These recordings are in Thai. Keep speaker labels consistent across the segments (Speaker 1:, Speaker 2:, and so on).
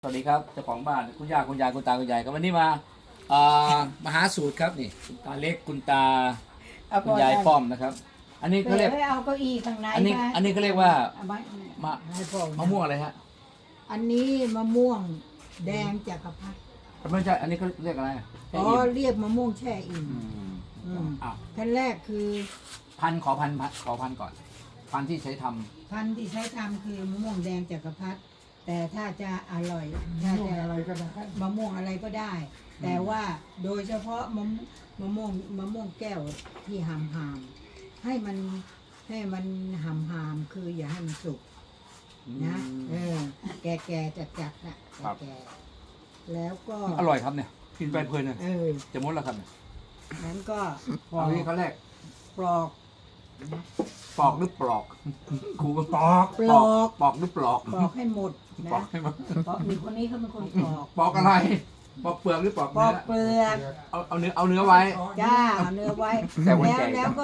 Speaker 1: สวัสดีครับเจ้าของบ้านคุณย่าคุณยายคุณตาคุณยายครับวันนี้มาหาสูตรครับนี่คุณตาเล็กคุณตาคุณยายป้อมนะครับ อันนี้เขาเรียก
Speaker 2: เอาเก้าอี้ข้างใน
Speaker 1: อันนี้เขาเรียกว่ามะมะม่วงอะไรฮะ
Speaker 2: อันนี้มะม่วงแดงจักรพรรดิ
Speaker 1: ไม่ใช่อันนี้เขาเรียกอะไร
Speaker 2: อ๋อเรียกมะม่วงแช่อิ่ม
Speaker 1: อ้าว
Speaker 2: ขั้นแรกคือ
Speaker 1: ขอพันก่อนพันที่ใช้ทำ
Speaker 2: พันธุ์ที่ใช้ทำคือมะม่วงแดงจักรพรรดิแต่ถ้าจะอร่อยถ้าจะอะไรก็ได้มะม่วงอะไรก็ได้ แต่ว่าโดยเฉพาะมะม่วงแก้วที่หามให้มันหามคืออย่าให้มันสุกนะแก่จัดนะแก่แล้วก็
Speaker 1: อร่อยครับเนี่ยกินไปเพลินเลยจะมดแล้วครับเนี่ย
Speaker 2: นั้นก็
Speaker 1: อันนี้เขาแรก
Speaker 2: ปลอก
Speaker 1: หรือปลอกครูก็ปอกหรือปลอก
Speaker 2: ให้หมดนะปอกมีคนนี้เขาเป็นคนปอก
Speaker 1: อะไรปอกเปลือกหรือปอก
Speaker 2: เปลือก
Speaker 1: เอาเนื้อไว้
Speaker 2: จ้าเอาเนื้อไว้แล้วก็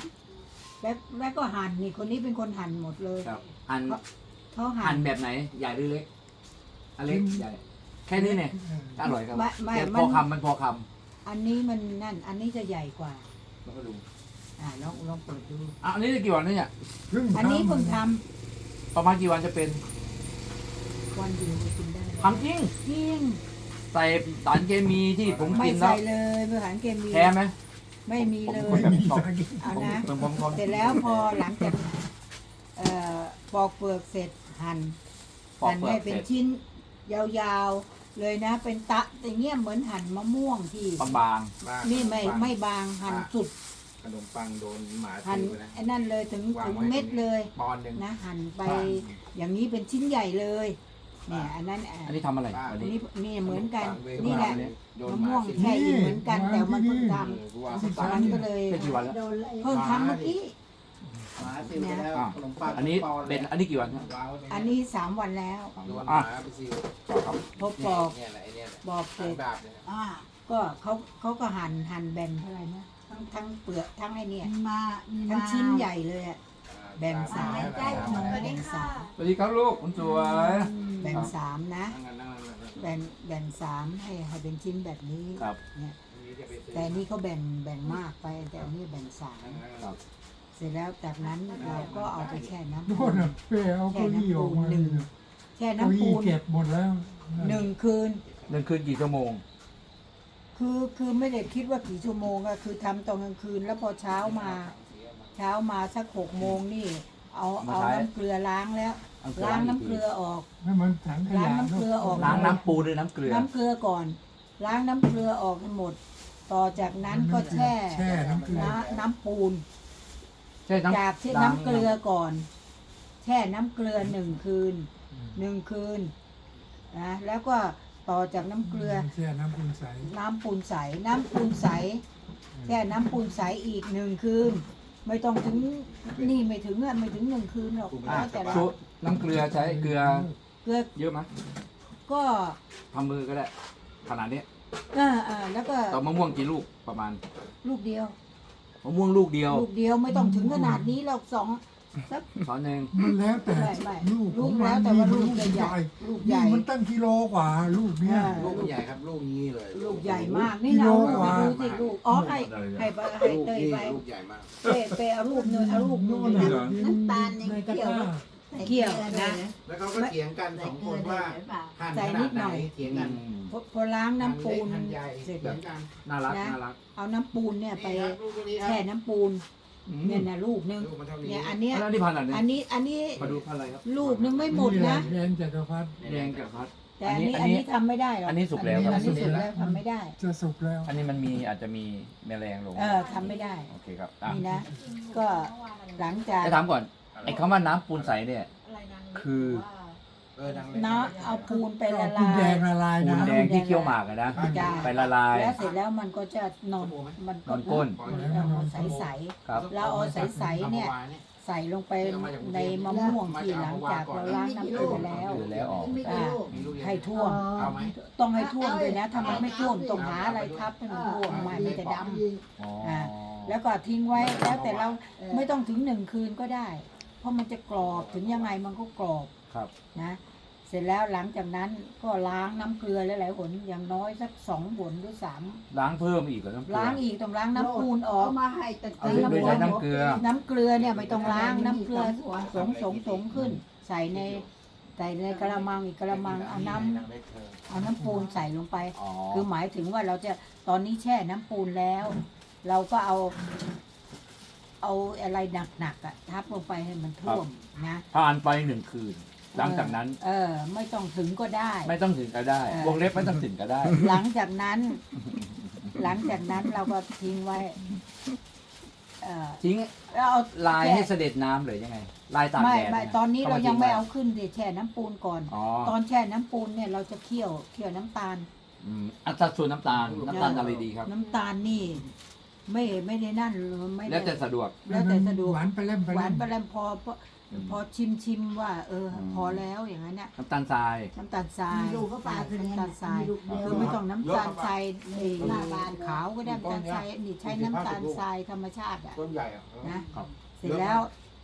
Speaker 2: หั่นนี่คนนี้เป็นคนหั่นหมดเลย
Speaker 1: เขาหั่นแบบไหนใหญ่หรือเล็กอันเล็กใหญ่แค่นี้เนี่ยอร่อยครับแต่พอคำ
Speaker 2: อันนี้มันนั่นอันนี้จะใหญ่กว่า
Speaker 1: แล้วก็ดู
Speaker 2: ลองเปิดดู
Speaker 1: อันนี้จะกี่วันเนี่ย
Speaker 2: อันนี้เพิ่งท
Speaker 1: ำประมาณกี่วันจะเป็น
Speaker 2: วันเดียวกินได้
Speaker 1: ทำจริงใส่สารเคมีที่ผมกินแล้ว
Speaker 2: ไม่ใส่เลยสารเคมี
Speaker 1: แพ้ไหม
Speaker 2: ไม่มีเลยเอานะเสร็จแล้วพอหลังจากปอกเปลือกเสร็จหั่นให้เป็นชิ้นยาวๆเลยนะเป็นตะอย่างเงี้ยเหมือนหั่นมะม่วงที่
Speaker 1: บาง
Speaker 2: นี่ไม่บางหั่นสุด
Speaker 3: ขนมปังโดนหมา
Speaker 2: หั่นไอ้นั่นเลยถึงเม็ดเลยนะหั่นไปอย่างนี้เป็นชิ้นใหญ่เลยเนี่ยอันนี้
Speaker 1: ทำอะไร
Speaker 2: อันนี้เหมือนกันนี่แหละมะม่วงแช่อิ่มเหมือนกันแต่มันเพิ่งทำตอนนั้นก็เลยเพิ่งทำเมื่อกี้
Speaker 1: อันนี้เป็นอันนี้กี่วัน
Speaker 2: อันนี้3 วันแล้วพบบอกเสร็จก็เขาก็หั่นแบ่งเท่าไหร่นะทั้งเปลือกทั้งไอ้เนี่ยทั้งชิ้นใหญ่เลยอ่ะแบ่ง3
Speaker 1: สวัสดีครับลูกคุณสวย
Speaker 2: แบ่ง3นะแบ่ง3ให้เป็นชิ้นแบบนี้เนี่ยแต่นี่เขาแบ่งมากไปแต่อันนี้แบ่ง3เสร็จแล้วจากนั้นเราก็เอาไปแช่น้ำปูนแช่น้ำปูน
Speaker 4: เก็บหมดแล้ว
Speaker 2: 1 คืน
Speaker 1: กี่ชั่วโมง
Speaker 2: คือไม่ได้คิดว่ากี่ชั่วโมงอะคือทำตอนกลางคืนแล้วพอเช้ามาสัก6 โมงนี่เอาน้ำเกลือล้างแล้วล้างน้ำเกลือออกล้างน้ำเกลือออก
Speaker 1: ล้างน้ำปูด้วยน้ำเกลื
Speaker 2: อก่อนล้างน้ำเกลือออกให้หมดต่อจากนั้นก็แช่น้ำปูนจากน้ำเกลือก่อนแช่น้ำเกลือ1 คืนนะแล้วก็ต่อจากน้ำเกลือ
Speaker 4: แช่น้ำปูนใส
Speaker 2: แช่น้ำปูนใสแช่น้ำปูนใสอีก1 คืนไม่ต้องถึงนี่ไม่ถึง1 คืนหรอก
Speaker 1: แต่น้ำเกลือใช้เกลือเยอะไหม
Speaker 2: ก็
Speaker 1: ทำมือก็ได้ขนาดนี้
Speaker 2: แล้วก็
Speaker 1: ต่อมะม่วงกี่ลูกประมาณ
Speaker 2: ลูกเดียว
Speaker 1: มะม่วงลูกเดียว
Speaker 2: ไม่ต้องถึงขนาดนี้หรอก2
Speaker 1: ช้อนหนึ่ง
Speaker 4: มันแล้วแต่
Speaker 2: ลูกแล้วแต่ว่าลูกใหญ่
Speaker 4: มันตั้งกิโลกว่าลูกเนี้ย
Speaker 3: ลูกใหญ่ครับลูกนี้เลย
Speaker 2: ลูกใหญ่มากนี่เราดูสิลูกให้เตยไป
Speaker 3: ลูกใหญ่มาก
Speaker 2: ไปเอาลูกนึงน้ำตาลในเคี่ยวนะ
Speaker 3: แล้วเขาก็เถียงกัน2 คนว่าหั่นขนาดไหนเถียงกัน
Speaker 2: พอล้างน้ำปูน
Speaker 3: เสร็จแล้วกัน
Speaker 1: น่ารัก
Speaker 2: เอาน้ำปูนเนี่ยไปแช่น้ำปูนเนี่ยนะลูกนึงเนี่ยอันนี้
Speaker 1: อันนี้มาดูพันอะไรครับ
Speaker 2: ลูกนึงไม่หมดนะ
Speaker 4: แดงจักรพรรดิ
Speaker 2: แต่อันนี้ทำไม่ได้หรอก
Speaker 1: อันนี้สุกแล้ว
Speaker 2: ทำไม่ได้
Speaker 4: จะสุกแล้ว
Speaker 1: อันนี้มันอาจจะมีแมลงลง
Speaker 2: ทำไม่ได้
Speaker 1: โอเคครับ
Speaker 2: นี่นะก็หลังจาก
Speaker 1: จะถามก่อนไอ้คำว่าน้ำปูนใสเนี่ยคือ
Speaker 2: น้ำเอาปูนไปละลาย
Speaker 4: ปูนแดงละลาย
Speaker 1: ปูนแดงที่เคี่ยวหมากนะไปละลาย
Speaker 2: แล้วเสร็จแล้วมันก็จะนอน
Speaker 1: ก้น
Speaker 2: ใสๆแล้วเอาใสๆเนี่ยใส่ลงไปในมะม่วงที่หลังจากเราล้างน้ำเกลือ
Speaker 1: แล้วออก
Speaker 2: ให้ท่วมต้องให้ท่วมเลยนะถ้ามันไม่ท่วมต้องหาอะไรทับให้มันท่วมมันจะดำแล้วก็ทิ้งไว้แล้วแต่เราไม่ต้องถึง1 คืนก็ได้เพราะมันจะกรอบถึงยังไงมันก็กรอบนะเสร็จแล้วหลังจากนั้นก็ล้างน้ำเกลือหลายๆหนอย่างน้อยสัก2 หนหรือ 3
Speaker 1: ล้างเพิ่มอีกเหรอน้ำเกลือ
Speaker 2: ล้างอีกต้องล้างน้ำปูนออก
Speaker 5: เอามาให้ตะ
Speaker 1: เอา
Speaker 5: กี้
Speaker 1: โดยใช้น้ำเกลือ
Speaker 2: น้ำเกลือเนี่ยไม่ต้องล้างน้ำเกลือสงขึ้น ใส่ในกระมังอีกกระมังเอาน้ำปูนใส่ลงไป
Speaker 1: อ๋อ
Speaker 2: คือหมายถึงว่าเราจะตอนนี้แช่น้ำปูนแล้ว เราก็เอาอะไรหนักๆอะทับลงไปให้มันท่วมนะ
Speaker 1: ผ่านไป1 คืน หลังจากนั้น
Speaker 2: ไม่ต้องถึงก็ได้
Speaker 1: ไม่ต้องถึงก็ได้ วงเล็บไม่ต้องถึงก็ได้
Speaker 2: หลังจากนั้นเราก็ทิ้งไว้
Speaker 1: ทิ้ง
Speaker 2: แล้วเอา
Speaker 1: ลาย
Speaker 2: แช่
Speaker 1: ให้เสด็จน้ำเลยยังไง ลายตาก
Speaker 2: ไม่
Speaker 1: แดด
Speaker 2: ไม่
Speaker 1: เย
Speaker 2: ตอนนี้เรายังไม่เอา
Speaker 1: ทิ้
Speaker 2: ขึ้นดิแช่น้ำปูนก่อน
Speaker 1: อ๋อ
Speaker 2: ตอนแช่น้ำปูนเนี่ยเราจะเคี่ยวน้ำตาล
Speaker 1: อัตราส่วนน้ำตาลอะไรดีครับ
Speaker 2: น้ำตาลนี่ ไม่ได้นั่นไม่ได้
Speaker 1: แล้วแต่สะดวก
Speaker 2: แล้วแต่สะดวก
Speaker 4: หวานไปเล่มไป
Speaker 2: หวา
Speaker 4: เล่
Speaker 2: น
Speaker 4: ม
Speaker 2: ไปแล้วพอชิมว่า พอแล้วอย่างนั้นเนี่ย
Speaker 1: น้ำตาลทราย
Speaker 2: น้ำตาลทราย
Speaker 5: มีลูกก็ปลาคือ
Speaker 2: น้ำตาลทราย
Speaker 5: มีลูกเดียว
Speaker 2: คือไม่ต้องน้ำตาลทรายหน้าบานขาวก็ได้น้ำตาลทรายนี่ใช้น้ำตาลทรายธรรมชาติอ่ะ
Speaker 3: ต้นใหญ่อ่ะ
Speaker 2: นะครับ เสร็จแล้ว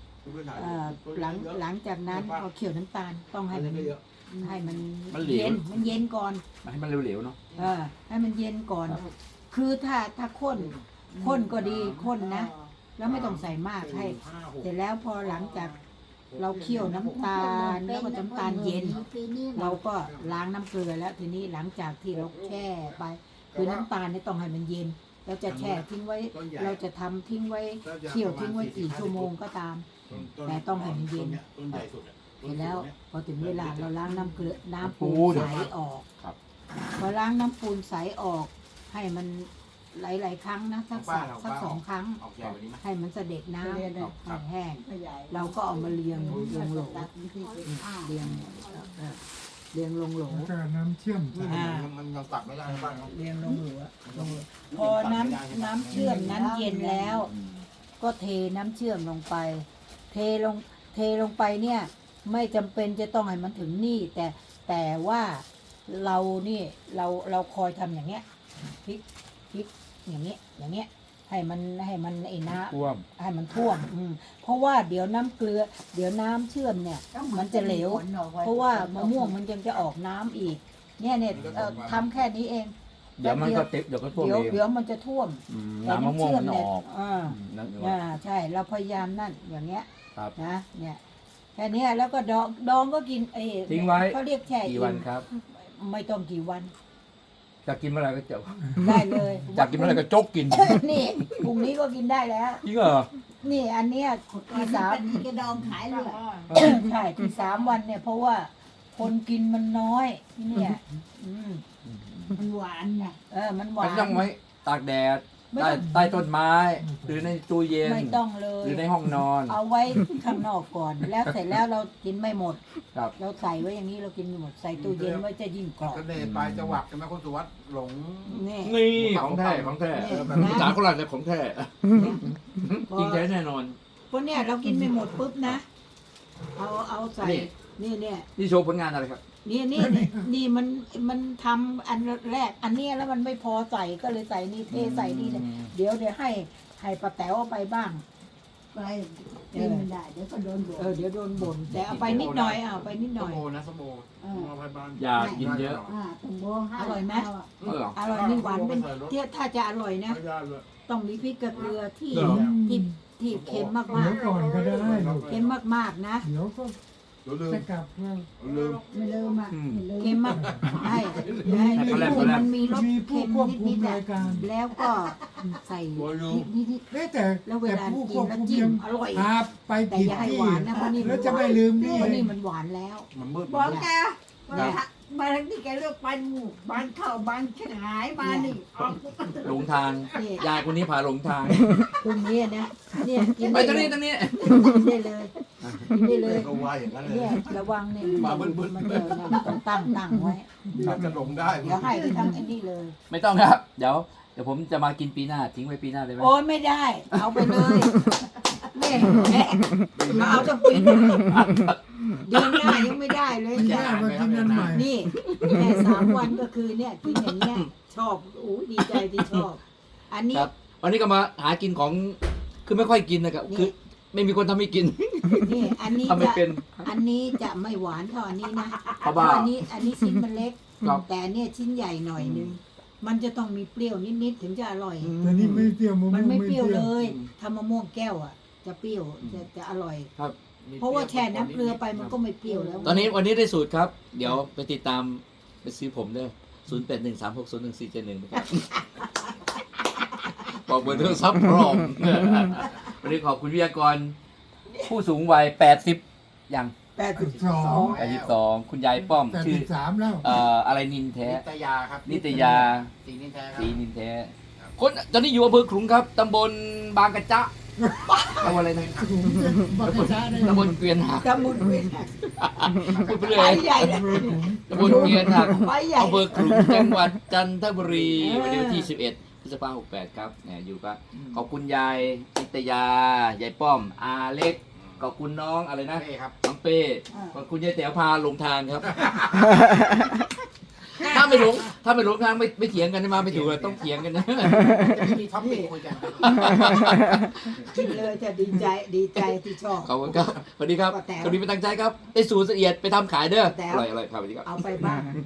Speaker 2: หลังจากนั้นพอเคี่ยวน้ำตาลต้องให้มัน
Speaker 1: มันเหลว
Speaker 2: มันเย็นก่อน
Speaker 1: ให้มันเหลวๆเนาะ
Speaker 2: ให้มันเย็นก่อน คือถ้าข้นก็ดีข้นนะ แล้วไม่ต้องใส่มากให้ เสร็จแล้วพอหลังจากเราเคี่ยวน้ำตาลแล้วก็น้ำตาลเย็น เราก็ล้างน้ำเกลือแล้วทีนี้หลังจากที่เราแช่ไป คือน้ำตาลนี่ต้องให้มันเย็น เราจะแช่ทิ้งไว้ เราจะทำทิ้งไว้เคี่ยวทิ้งไว้กี่ชั่วโมงก็ตาม แต่ต้องให้มันเย็น
Speaker 3: ต้นใหญ่สุด
Speaker 2: เสร็จแล้วพอถึงเวลาเราล้างน้ำเกลือน้ำปู
Speaker 1: ปู
Speaker 2: น
Speaker 1: น
Speaker 2: ใสออก
Speaker 1: ครับ
Speaker 2: พอล้างน้ำปูนใสออก ให้มันหลายๆครั้งนะสัก2 ครั้ง
Speaker 3: ออกใหญ่กว่านี้ไหม
Speaker 2: ให้มันเสด็จน้ำให้แห้ง
Speaker 5: ไม่ใหญ่
Speaker 2: เราก็เอามาเรียงลงโหล
Speaker 5: ตัดวิธีเป็นผ้า
Speaker 2: เรียงลงโหล
Speaker 4: แล้วก็น้ำเชื่อมใส่
Speaker 3: มันยังตัดไม่ได้บ้างเนาะ
Speaker 2: เรียงลงโหลพอน้ำเชื่อมนั้นเย็นแล้ว ก็เทน้ำเชื่อมลงไป เทลงไปเนี่ย ไม่จำเป็นจะต้องให้มันถึงนี่ แต่ว่าเรานี่เราคอยทำอย่างเงี้ยพลิกอย่างเงี้ยให้มันไอ้น้ำ
Speaker 1: ท่วม
Speaker 2: ให้มันท่วมเพราะว่าเดี๋ยวน้ำเกลือ เดี๋ยวน้ำเชื่อมเนี่ย มันจะเหลว เพราะว่ามะม่วงมันยังจะออกน้ำอีก เนี่ยทำแค่นี้เอง
Speaker 1: เดี๋ยวมันก็เดี๋ยวก็ท่วมเอง
Speaker 2: เดี๋ยวมันจะท่วม
Speaker 1: น้ำมะม่วงมันออก นั่นเอง
Speaker 2: ใช่เราพยายามนั่นอย่างเงี้ย
Speaker 1: ครับ
Speaker 2: นะเนี่ยแค่เนี้ยแล้วก็ดองก็กิน
Speaker 1: ทิ้งไว้
Speaker 2: เขาเรียกแช่
Speaker 1: กี่วันครับ
Speaker 2: ไม่ต้องกี่วัน
Speaker 1: จะกินเมื่อไหรก็เจอ
Speaker 2: ได้เลย
Speaker 1: อยากกินเมื่อไหรก็จกกิน
Speaker 2: นี่พรุ่งนี้ก็กินได้แล้ว
Speaker 1: จริงเหรอ
Speaker 2: นี่อันเนี้ยที่สาม
Speaker 5: อันนี้ก็ดองขายเลย
Speaker 2: ใช่ที่3 วันเนี่ย เพราะว่าคนกินมันน้อยที่เนี่ย
Speaker 5: มันหวานไง
Speaker 2: มันหวา
Speaker 1: มัน
Speaker 2: น
Speaker 1: ต้องไว้ตากแดด
Speaker 2: ไม่
Speaker 1: ใต้
Speaker 2: ต้อง
Speaker 1: ใต้ต้นไม้ หรือในตู้เย็น
Speaker 2: ไม่ต้องเลย
Speaker 1: หรือในห้องนอน
Speaker 2: เอาไว้ข้างนอกก่อน แล้วเสร็จแล้วเรากินไม่หมด
Speaker 1: ครับ
Speaker 2: เราใส่ไว้อย่างนี้เรากินไม่หมดใส่ตู้เย็นไว้จะยิ่งกรอบ
Speaker 3: เสน่ห์ปลายจังหวัดใช่ไหมคุณสุวัสดิ์หลง
Speaker 2: นี่
Speaker 1: นี่ของแท้ของแท้
Speaker 2: นี่
Speaker 1: ภาษาโคราชเลยของแท้จริงแท้แน่นอน
Speaker 2: เพราะเนี่ยเรากินไม่หมดปุ๊บนะเอาใส่
Speaker 1: นี่
Speaker 2: นี่
Speaker 1: นี่โชว์ผลงานอะไรครับ
Speaker 2: นี่มันทำอันแรก อันเนี้ยแล้วมันไม่พอใส่ก็เลยใส่นี่เทใส่นี่เลยเดี๋ยวให้ป้าแต๋วเอาไปบ้าง
Speaker 5: ไปกินไม่ได้เดี๋ยวก็โดนบ่น
Speaker 2: เดี๋ยวโดนบ่นแต่เอาไปนิดหน่อยเอาไปนิดห
Speaker 3: ส
Speaker 2: น่อย
Speaker 3: มโอนะสมโอมาพันบ้าน
Speaker 1: อย่ากินเยอะ
Speaker 5: ต้องโบห้า
Speaker 2: อร่อยไหม
Speaker 1: เออ
Speaker 2: อร่อยนี่หวานเป็นถ้าจะอร่อยนะ
Speaker 3: ไม่ได้เลย
Speaker 2: ต้องมีพริกกับเกลือที่
Speaker 1: เหรอ
Speaker 2: ที่เค็มมา
Speaker 4: เดี๋ยว
Speaker 2: ก
Speaker 4: ก่อนก็ได้ลูก
Speaker 2: ๆเค็มมากๆนะ
Speaker 4: เดี๋ยวก็
Speaker 3: เดี๋ยวลืม
Speaker 4: จะกลับแล้ว
Speaker 3: ลืม
Speaker 5: ไม่ลืมอ่ะไม่ลืม
Speaker 2: เค็มมากให้
Speaker 1: เขาแลบ
Speaker 2: มันมีรส
Speaker 4: มีผู้
Speaker 2: เค็ม
Speaker 4: ควบคุ
Speaker 2: นิ
Speaker 4: ม
Speaker 2: ดๆอะ
Speaker 4: รายการ
Speaker 2: แล้วก็ใส่นิด
Speaker 4: เอ๊ะแต่
Speaker 2: ๆแล้วเว
Speaker 4: แต่
Speaker 2: ลา
Speaker 4: ผู้
Speaker 2: กิ
Speaker 4: คว
Speaker 2: น
Speaker 4: บ
Speaker 2: แล้ว
Speaker 4: คุม
Speaker 2: จิ้
Speaker 4: ยั
Speaker 2: ม
Speaker 4: ง
Speaker 2: อร่อย
Speaker 4: พาไป
Speaker 2: แต่
Speaker 4: ผิด
Speaker 2: อย่าให้
Speaker 4: ที่
Speaker 2: หวานนะเพราะนี่
Speaker 4: แล้วจะไม่ลืมนี่
Speaker 2: เพราะนี่มันหวานแล้ว
Speaker 3: มันมืด
Speaker 5: บอก
Speaker 3: มันมืด
Speaker 5: แกมาทางที่แกเลือกปันหมูบ้านเข้าบ้านขาย มานี่ออก
Speaker 1: หลงทาง ยายคนนี้พาหลงทาง
Speaker 2: ตรงนี้นะเนี่ยกิน
Speaker 1: ไป
Speaker 2: ได้
Speaker 1: ตรงนี้
Speaker 2: กินได้เลยกินได้เลย
Speaker 3: ก็ว่าอย่างนั้นเลย
Speaker 2: เนี่ยระวังเนี่ย
Speaker 3: มาบึ้นๆ
Speaker 2: มันเดินนะต้องตั้งไว้
Speaker 3: เราจะหลงได้
Speaker 2: เดี๋ยวให้ไปทั้งไอ้นี่เลย
Speaker 1: ไม่ต้องครับ เดี๋ยวผมจะมากินปีหน้าทิ้งไว้ปีหน้าได้ไหม
Speaker 2: โอ้ยไม่ได้ เอาไปเลยนี่เอาจะปีเดือนหน้ายังไม่ได้เลย
Speaker 4: แค่มากินกันใหม่
Speaker 2: นี่แค่3 วันก็คือเนี่ยกินอย่างเงี้ยชอบโอ้ดีใจที่ชอบ อันนี้
Speaker 1: ครับ วันนี้ก็มาหากินของคือไม่ค่อยกินนะครับ
Speaker 2: นี่
Speaker 1: คือไม่มีคนทำให้กิน
Speaker 2: นี่อันนี้
Speaker 1: ทำไม่
Speaker 2: จะ
Speaker 1: เป็น
Speaker 2: อันนี้จะไม่หวานเท่าอันนี้นะ
Speaker 1: เพราะว่า
Speaker 2: อันนี้ชิ้นมันเล็ก
Speaker 1: ครับ
Speaker 2: แต่อันเนี่ยชิ้นใหญ่หน่อยนึงมันจะต้องมีเปรี้ยวนิดๆถึงจะอร่อย
Speaker 4: แต่นี่ไม่เปรี้ยวมะม่วง
Speaker 2: มันไม่เปรี้ยวเลย
Speaker 1: อืม
Speaker 2: ถ้ามะม่วงแก้วอ่ะ จะเปรี้ยวจะอร่อย
Speaker 1: ครับ
Speaker 2: เพราะว่าแช่น้ำเกลือไปมันก็ไม่เปรี้ยวแล้ว
Speaker 1: ตอนนี้วันนี้ได้สูตรครับ เดี๋ยวไปติดตามไปซื้อผมเด้อ0813601471นะครับ บอกเบอร์โทรศัพท์พร้อม วันนี้ขอบคุณวิทยากร ผู้สูงวัย80อย่าง
Speaker 4: 82
Speaker 1: 82คุณยายป้อม ชื่อ
Speaker 4: 83แล้ว
Speaker 1: อะไรนินแท้
Speaker 3: นิตยาครับ
Speaker 1: นิตยา
Speaker 3: สีนินแท้ครั
Speaker 1: สี
Speaker 3: บ
Speaker 1: นินแท้ คนตอนนี้อยู่อำเภอขลุงครับ ตำบลบางกระจะตำบลอะไรนะ
Speaker 4: บักกะชาได้
Speaker 1: ตำบลเกวียนหัก
Speaker 2: ตะมุนเวียนหัก
Speaker 1: พูดไปเล
Speaker 2: ไป
Speaker 1: ย
Speaker 2: ใหญ่เลย
Speaker 1: ตำบลเกวียนหัก
Speaker 2: ไปใหญ่
Speaker 1: อำเภอขลุงจังหวัดจันทบุรีวันที่11 พฤษภาคม 68 ครับเนี่ยอยู่ก็ขอบคุณยายนิตยายายป้อม อาเล็ก ขอบคุณน้องอะไรนะ
Speaker 3: เป้ครับ
Speaker 1: น้องเป้ขอบคุณยายแต๋วพาหลงทางครับ ถ้าไม่หลงทางไม่เถียงกันนะมาไม่ถูกเลยต้องเถียงกันนะ
Speaker 3: จะไม่มีท็อปปิ้งคุยกัน
Speaker 2: กินเลยจะดีใจที่ชอบ
Speaker 1: ขอบคุณครับสวัสดีครับ
Speaker 2: ป้าแต๋ว
Speaker 1: สวัสดีเป็นตั้งใจครับได้สูตรละเอียดไปทำขายเด้อ
Speaker 2: แต๋
Speaker 1: อ
Speaker 2: ว
Speaker 1: ร่อยครับสวัสดีครับ
Speaker 2: เอาไปบ้าน